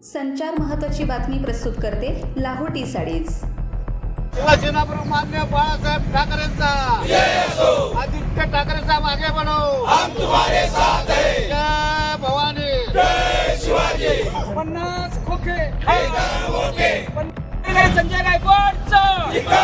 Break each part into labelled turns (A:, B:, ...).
A: संचार महत्त्वाची बातमी प्रस्तुत करते लाहोटी साडीज।
B: शिवसेनाप्रमुख मान्य बाळासाहेब ठाकरेंचा आदित्य ठाकरेंचा मागे बढो, हम तुम्हारे साथ हैं। जय भवानी, जय शिवाजी।
C: 50 खोके
B: संजय गायकवाडचं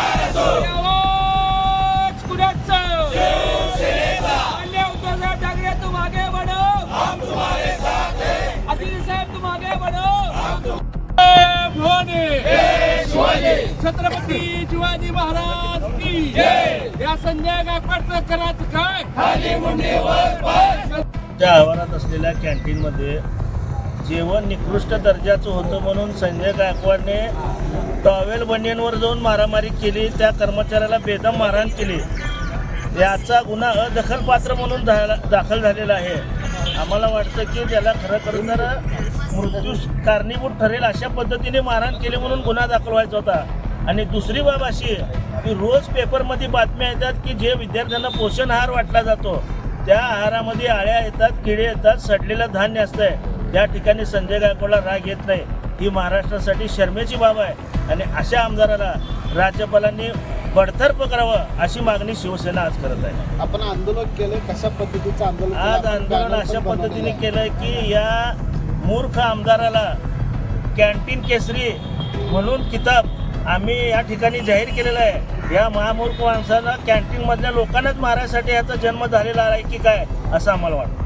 B: आवाज कुणाचं? मान्य उद्धवसाहेब ठाकरे तू मागे बढो, हम तुम्हारे साथ हैं। आदित्य साहेब तू मागे बढो, जय भवानी, जय शिवाजी। छत्रपती शिवाजी महाराज की जय। या संजय गायकवाडचं करायचं काय? खाली मुंडीवर पाय।
D: त्या आवारात असलेल्या कॅन्टीनमध्ये जेवण निकृष्ट दर्जाचं होतं म्हणून संजय गायकवाडने टॉवेल बनियनवर जाऊन मारामारी केली, त्या कर्मचाऱ्याला बेदम मारहाण केली। याचा गुन्हा अदखलपात्र म्हणून दाखल झालेला आहे। आम्हाला वाटतं की त्याला खरं तर मृत्यूस कारणीभूत ठरेल अशा पद्धतीने मारहाण केली म्हणून गुन्हा दाखल व्हायचा होता। आणि दुसरी बाब अशी की रोज पेपरमध्ये बातम्या येतात की जे विद्यार्थ्यांना पोषण आहार वाटला जातो त्या आहारामध्ये आळ्या येतात, किडे येतात, सडलेलं धान्य असतंय। त्या ठिकाणी संजय गायकवाडला राग येत नाही, ही महाराष्ट्रासाठी शर्मेची बाब आहे। आणि अशा आमदाराला राज्यपालांनी बडतर्फ करावं अशी मागणी शिवसेना आज करत आहे।
C: आपण आंदोलन केलं, कशा पद्धतीचं आंदोलन
D: आज आंदोलन अशा पद्धतीने केलं की या मूर्ख आमदाराला कॅन्टीन केसरी म्हणून किताब आम्ही या ठिकाणी जाहीर केलेला आहे। या महामूर्ख माणसाला कॅन्टीनमधल्या लोकांनाच मारायसाठी याचा जन्म झालेला आहे की काय असं आम्हाला वाटतं।